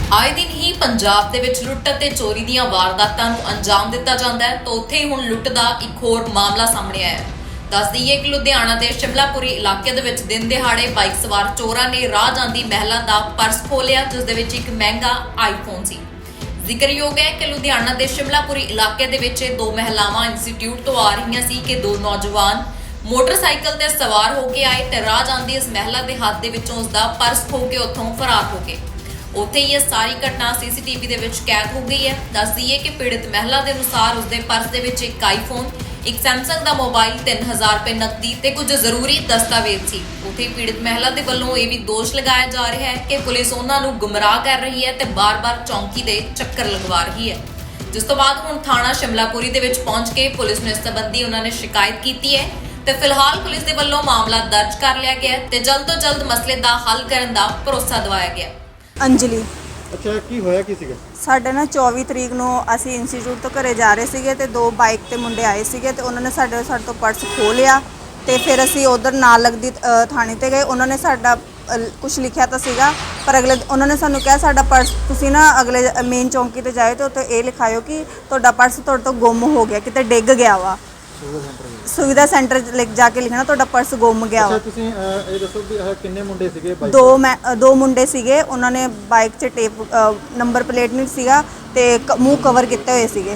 ਆਏ ਦਿਨ ਹੀ ਪੰਜਾਬ ਦੇ ਵਿੱਚ ਲੁੱਟ ਅਤੇ ਚੋਰੀ ਦੀਆਂ ਵਾਰਦਾਤਾਂ ਨੂੰ ਅੰਜਾਮ ਦਿੱਤਾ ਜਾਂਦਾ ਹੈ ਤਾਂ ਉੱਥੇ ਹੀ ਹੁਣ ਲੁੱਟ ਦਾ ਇੱਕ ਹੋਰ ਮਾਮਲਾ ਸਾਹਮਣੇ ਆਇਆ ਹੈ। ਦੱਸ ਦਈਏ ਕਿ ਲੁਧਿਆਣਾ ਦੇ ਸ਼ਿਮਲਾਪੁਰੀ ਇਲਾਕੇ ਦੇ ਵਿੱਚ ਦਿਨ ਦਿਹਾੜੇ ਬਾਈਕ ਸਵਾਰ ਚੋਰਾਂ ਨੇ ਰਾਹ ਜਾਂਦੀ ਮਹਿਲਾ ਦਾ ਪਰਸ ਖੋਲਿਆ, ਜਿਸ ਦੇ ਵਿੱਚ ਇੱਕ ਮਹਿੰਗਾ ਆਈਫੋਨ ਸੀ। ਜ਼ਿਕਰਯੋਗ ਹੈ ਕਿ ਲੁਧਿਆਣਾ ਦੇ ਸ਼ਿਮਲਾਪੁਰੀ ਇਲਾਕੇ ਦੇ ਵਿੱਚ ਦੋ ਮਹਿਲਾਵਾਂ ਇੰਸਟੀਚਿਊਟ ਤੋਂ ਆ ਰਹੀਆਂ ਸੀ ਕਿ ਦੋ ਨੌਜਵਾਨ ਮੋਟਰਸਾਈਕਲ ਤੇ ਸਵਾਰ ਹੋ ਕੇ ਆਏ ਤੇ ਰਾਹ ਜਾਂਦੀ ਇਸ ਮਹਿਲਾ ਦੇ ਹੱਥ ਦੇ ਵਿੱਚੋਂ ਉਸਦਾ ਪਰਸ ਖੋ ਕੇ ਉੱਥੋਂ ਫਰਾਰ ਹੋ ਗਏ। ਉੱਥੇ ਹੀ ਇਹ ਸਾਰੀ ਘਟਨਾ ਸੀਸੀਟੀਵੀ ਦੇ ਵਿੱਚ ਕੈਦ ਹੋ ਗਈ ਹੈ। ਦੱਸ ਦਈਏ ਕਿ ਪੀੜਤ ਮਹਿਲਾ ਦੇ ਅਨੁਸਾਰ ਉਸਦੇ ਪਰਸ ਦੇ ਵਿੱਚ ਇੱਕ ਆਈਫੋਨ, ਇੱਕ ਸੈਮਸੰਗ ਦਾ ਮੋਬਾਈਲ, 3000 ਰੁਪਏ ਨਕਦੀ ਤੇ ਕੁਝ ਜ਼ਰੂਰੀ ਦਸਤਾਵੇਜ਼ ਸੀ। ਉੱਥੇ ਹੀ ਪੀੜਤ ਮਹਿਲਾ ਦੇ ਵੱਲੋਂ ਇਹ ਵੀ ਦੋਸ਼ ਲਗਾਇਆ ਜਾ ਰਿਹਾ ਹੈ ਕਿ ਪੁਲਿਸ ਉਹਨਾਂ ਨੂੰ ਗੁੰਮਰਾਹ ਕਰ ਰਹੀ ਹੈ ਤੇ ਬਾਰ-ਬਾਰ ਚੌਂਕੀ ਦੇ ਚੱਕਰ ਲਗਵਾ ਰਹੀ ਹੈ। ਜਿਸ ਤੋਂ ਬਾਅਦ ਹੁਣ ਥਾਣਾ ਸ਼ਿਮਲਾਪੁਰੀ ਦੇ ਵਿੱਚ ਪਹੁੰਚ ਕੇ ਪੁਲਿਸ ਨੂੰ ਇਸ ਸੰਬੰਧੀ ਉਹਨਾਂ ਨੇ ਸ਼ਿਕਾਇਤ ਕੀਤੀ ਹੈ ਤੇ ਫਿਲਹਾਲ ਪੁਲਿਸ ਦੇ ਵੱਲੋਂ ਮਾਮਲਾ ਦਰਜ ਕਰ ਲਿਆ ਗਿਆ ਤੇ ਜਲਦ ਤੋਂ ਜਲਦ ਮਸਲੇ ਦਾ ਹੱਲ ਕਰਨ ਦਾ ਭਰੋਸਾ ਦਿਵਾਇਆ ਗਿਆ। ਅੰਜਲੀ। ਅੱਛਾ, ਕੀ ਹੋਇਆ ਕੀ ਸੀਗਾ? ਸਾਡੇ ਨਾਲ 24 ਤਰੀਕ ਨੂੰ ਅਸੀਂ ਇੰਸਟੀਚਿਊਟ ਤੋਂ ਘਰੇ ਜਾ ਰਹੇ ਸੀਗੇ ਤੇ ਦੋ ਬਾਈਕ ਤੇ ਮੁੰਡੇ ਆਏ ਸੀਗੇ ਤੇ ਉਹਨਾਂ ਨੇ ਸਾਡੇ ਤੋਂ ਪਰਸ ਖੋਹ ਲਿਆ ਤੇ ਫਿਰ ਅਸੀਂ ਉਧਰ ਨਾਲ ਲੱਗਦੀ ਥਾਣੇ ਤੇ ਗਏ। ਉਹਨਾਂ ਨੇ ਸਾਡਾ ਕੁਝ ਲਿਖਿਆ ਤਾਂ ਸੀਗਾ, ਪਰ ਉਹਨਾਂ ਨੇ ਸਾਨੂੰ ਕਿਹਾ ਸਾਡਾ ਪਰਸ ਤੁਸੀਂ ਨਾ ਅਗਲੇ ਮੇਨ ਚੌਂਕੀ ਤੇ ਜਾਏ ਤੇ ਉੱਥੇ ਇਹ ਲਿਖਾਇਓ ਕਿ ਤੁਹਾਡਾ ਪਰਸ ਤੁਹਾਡੇ ਤੋਂ ਗੁੰਮ ਹੋ ਗਿਆ, ਕਿਤੇ ਡਿੱਗ ਗਿਆ ਵਾ। ਸੁਵਿਧਾ ਸੈਂਟਰ ਜਾ ਕੇ ਲਿਖਣਾ ਤੁਹਾਡਾ ਪਰਸ ਗੁੰਮ ਗਿਆ ਵਾ। ਅੱਛਾ, ਤੁਸੀਂ ਇਹ ਦੱਸੋ ਕਿ ਕਿੰਨੇ ਮੁੰਡੇ ਸੀਗੇ ਬਾਈਕ? ਦੋ ਮੁੰਡੇ ਸੀਗੇ। ਉਹਨਾਂ ਨੇ ਬਾਈਕ 'ਚ ਟੇਪ ਨੰਬਰ ਪਲੇਟ ਨਹੀਂ ਸੀਗਾ ਤੇ ਮੂੰਹ ਕਵਰ ਕੀਤੇ ਹੋਏ ਸੀਗੇ,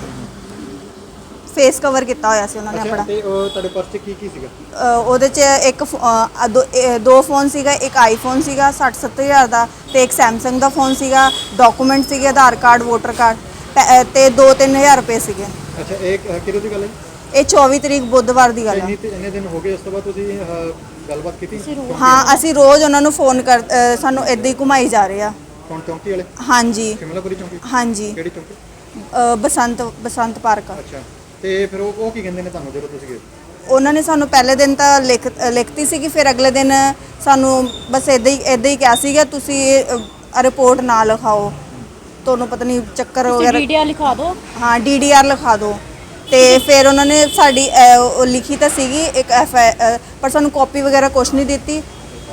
ਫੇਸ ਕਵਰ ਕੀਤਾ ਹੋਇਆ ਸੀ ਉਹਨਾਂ ਨੇ ਆਪਣਾ। ਤੇ ਤੁਹਾਡੇ ਪਰਸ 'ਚ ਕੀ ਸੀਗਾ? ਉਹਦੇ 'ਚ ਇੱਕ ਦੋ ਫੋਨ ਸੀਗਾ, ਇੱਕ ਆਈਫੋਨ ਸੀਗਾ 60-70 ਹਜ਼ਾਰ ਦਾ ਤੇ ਇੱਕ ਸੈਮਸੰਗ ਦਾ ਫੋਨ ਸੀਗਾ, ਡਾਕੂਮੈਂਟ ਸੀਗੇ ਆਧਾਰ ਕਾਰਡ, ਵੋਟਰ ਕਾਰਡ ਤੇ 2-3 ਹਜ਼ਾਰ ਰੁਪਏ ਸੀਗੇ। ਅੱਛਾ, ਇਹ ਕਿਹਦੇ ਦੀ ਗੱਲ ਹੈ? ਇਹ 24 ਤਰੀਕ ਬੁੱਧਵਾਰ ਦੀ ਗੱਲ ਹੈ। ਇੰਨੇ ਦਿਨ ਹੋ ਗਏ, ਉਸ ਤੋਂ ਬਾਅਦ ਤੁਸੀਂ ਗੱਲਬਾਤ ਕੀਤੀ? ਹਾਂ, ਅਸੀਂ ਰੋਜ਼ ਉਹਨਾਂ ਨੂੰ ਫੋਨ ਸਾਨੂੰ ਇੱਦਾਂ ਹੀ ਘੁਮਾਈ ਜਾ ਰਹੇ ਆ। ਕੌਣ, ਚੌਂਕੀ ਵਾਲੇ? ਹਾਂਜੀ, ਸ਼ਿਮਲਾਪੁਰੀ ਚੌਂਕੀ। ਹਾਂਜੀ। ਕਿਹੜੀ ਚੌਂਕੀ? ਬਸੰਤ ਪਾਰਕ। ਅੱਛਾ, ਤੇ ਫਿਰ ਉਹ ਕੀ ਕਹਿੰਦੇ ਨੇ ਤੁਹਾਨੂੰ ਜਦੋਂ ਤੁਸੀਂ ਗਏ? ਉਹਨਾਂ ਨੇ ਸਾਨੂੰ ਪਹਿਲੇ ਦਿਨ ਤਾਂ ਲਿਖਤੀ ਸੀਗੀ, ਫਿਰ ਅਗਲੇ ਦਿਨ ਸਾਨੂੰ ਬਸ ਇੱਦਾਂ ਹੀ ਕਿਹਾ ਸੀਗਾ ਤੁਸੀਂ ਰਿਪੋਰਟ ਨਾ ਲਿਖਾਓ, ਤੁਹਾਨੂੰ ਪਤਾ ਨਹੀਂ ਚੱਕਰ ਵਗੈਰਾ। ਡੀਡੀਆਰ ਲਿਖਾ ਦਿਓ। ਹਾਂ, ਡੀਡੀਆਰ ਲਿਖਾ ਦਿਓ। ਤੇ ਫਿਰ ਉਹਨਾਂ ਨੇ ਸਾਡੀ ਉਹ ਲਿਖੀ ਤਾਂ ਸੀਗੀ ਇੱਕ ਪਰ ਸਾਨੂੰ ਕਾਪੀ ਵਗੈਰਾ ਕੁਛ ਨਹੀਂ ਦਿੱਤੀ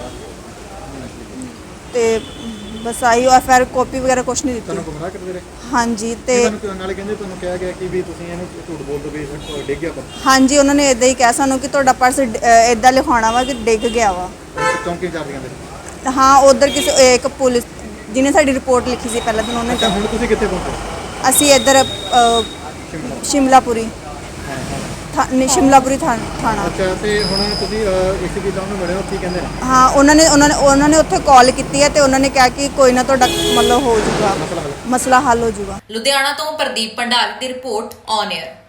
ਤੇ ਬਸ ਆਈ ਐਫਆਰ ਕਾਪੀ ਵਗੈਰਾ ਕੁਛ ਨਹੀਂ ਦਿੱਤੀ। ਤੁਹਾਨੂੰ ਗੁੰਮਰਾਹ ਕਰਦੇ ਰਹੇ? ਹਾਂਜੀ। ਤੇ ਨਾਲੇ ਕਹਿੰਦੇ ਤੁਹਾਨੂੰ ਕਿਹਾ ਗਿਆ ਕਿ ਵੀ ਤੁਸੀਂ ਇਹਨੂੰ ਝੂਠ ਬੋਲ ਦੋ ਵੀ ਡਿੱਗ ਗਿਆ ਪਰਸ। ਹਾਂਜੀ, ਉਹਨਾਂ ਨੇ ਇਦਾਂ ਹੀ ਕਿਹਾ ਸਾਨੂੰ ਕਿ ਤੁਹਾਡਾ ਪਰਸ ਇਦਾਂ ਲਿਖਾਉਣਾ ਵਾ ਕਿ ਡਿੱਗ ਗਿਆ ਵਾ। ਚੌਂਕੀ ਇੰਚਾਰਜ ਕਹਿੰਦੇ? ਹਾਂ, ਉਧਰ ਕਿਸੇ ਇੱਕ ਪੁਲਿਸ ਜਿਹਨੇ ਸਾਡੀ ਰਿਪੋਰਟ ਲਿਖੀ ਸੀ ਪਹਿਲਾਂ ਦਿਨ ਉਹਨੇ। ਅੱਛਾ, ਹੁਣ ਤੁਸੀਂ ਕਿੱਥੇ ਪਹੁੰਚੇ? ਅਸੀਂ ਇੱਧਰ ਸ਼ਿਮਲਾਪੁਰੀ ਥਾਣਾ। ਅੱਛਾ, ਤੇ ਹੁਣ ਤੁਸੀਂ ਏਸੀਪੀ ਸਾਹਿਬ ਨੂੰ ਮਿਲੇ ਹੋ, ਕੀ ਕਹਿੰਦੇ ਨੇ? ਹਾਂ, ਉਹਨਾਂ ਨੇ ਉੱਥੇ ਕਾਲ ਕੀਤੀ ਹੈ ਤੇ ਉਹਨਾਂ ਨੇ ਕਿਹਾ ਕਿ ਕੋਈ ਨਾ ਤੁਹਾਡਾ ਮਤਲਬ ਹੋ ਜਾਊਗਾ, ਮਸਲਾ ਹੱਲ ਹੋ ਜਾਊਗਾ। ਲੁਧਿਆਣਾ ਤੋਂ ਪ੍ਰਦੀਪ ਭੰਡਾਰੀ ਦੀ ਰਿਪੋਰਟ ਔਨ 에ਅਰ।